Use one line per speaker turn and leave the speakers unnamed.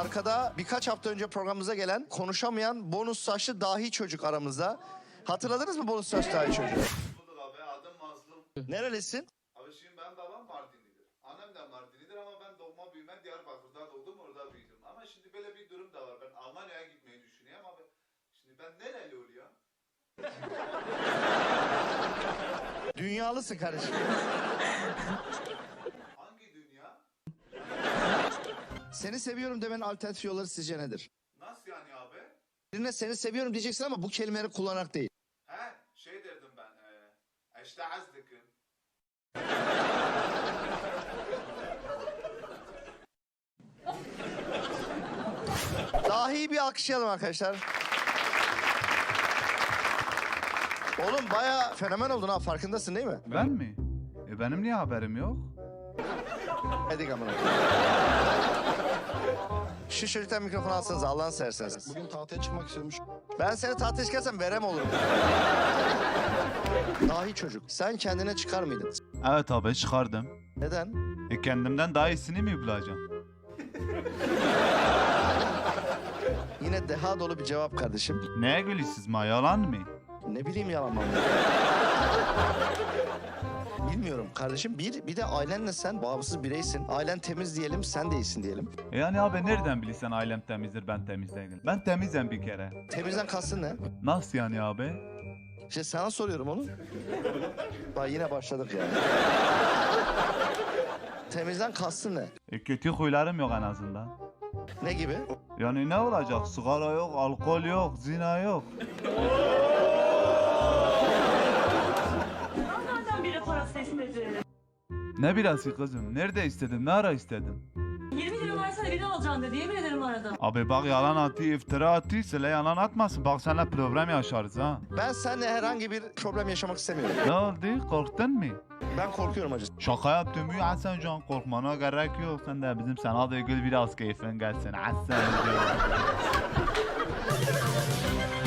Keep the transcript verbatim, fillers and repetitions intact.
arkada birkaç hafta önce programımıza gelen konuşamayan bonus saçlı dahi çocuk aramızda. Hatırladınız mı bonus saçlı dahi çocuğu?
Bulduk abi, adım Mazlum.
Nerelisin?
Abi şimdi ben babam Mardinlidir. Annem de Mardinlidir ama ben doğma büyüme Diyarbakır'da doğdum, orada büyüdüm. Ama şimdi böyle bir durum da var. Ben Almanya'ya gitmeyi düşünüyorum abi. Şimdi ben nereli oluyor?
Dünyalısın kardeşim.
Hangi dünya?
Seni seviyorum demenin alternatif yolları sizce nedir?
Nasıl yani abi?
Birine seni seviyorum diyeceksin ama bu kelimeleri kullanarak değil.
He, şey derdim ben. E, işte azdıkım.
Dahi bir alkışlayalım arkadaşlar. Oğlum bayağı fenomen oldun ha, farkındasın değil mi?
Ben mi? E benim niye haberim yok?
Hadi amına. Şu çocuktan mikrofonu alsanız Allah'ını severseniz.
Bugün tahtaya çıkmak istiyormuş.
Ben seni tahtaya çıkarsam verem olurum. Dahi çocuk, sen kendine çıkar mıydın?
Evet abi çıkardım.
Neden?
E kendimden daha iyisini mi bulacağım?
Yine deha dolu bir cevap kardeşim.
Neye gülüyorsunuz ma, yalan mı?
Ne bileyim yalan mı? Bilmiyorum kardeşim. Bir, bir de ailenle sen bağımsız bireysin. Ailen temiz diyelim, sen de iyisin diyelim.
E yani abi nereden bilirsen ailem temizdir, ben temiz değilim. Ben temizim bir kere.
Temizden kastın ne?
Nasıl yani abi?
İşte sana soruyorum onu. Bak yine başladık ya. Temizden kastın ne?
E kötü huylarım yok en azından.
Ne gibi?
Yani ne olacak? Sigara yok, alkol yok, zina yok.
Nereden biri parası istedi?
Ne birası kızım? Nerede istedin? Ne ara istedin?
yirmi lira versene biri alacaksın dedi. Yemin ederim aradım.
Abi bak yalan atı, iftira atı, söyle yalan atmasın. Bak seninle problem yaşarız ha.
Ben seninle herhangi bir problem yaşamak istemiyorum.
Ne oldu? Korktun mu?
Ben korkuyorum acı.
Şaka yaptım ya Hasan Can, korkmana gerek yok. Sen de bizim sana da gül biraz keyfin gelsin Hasan Can.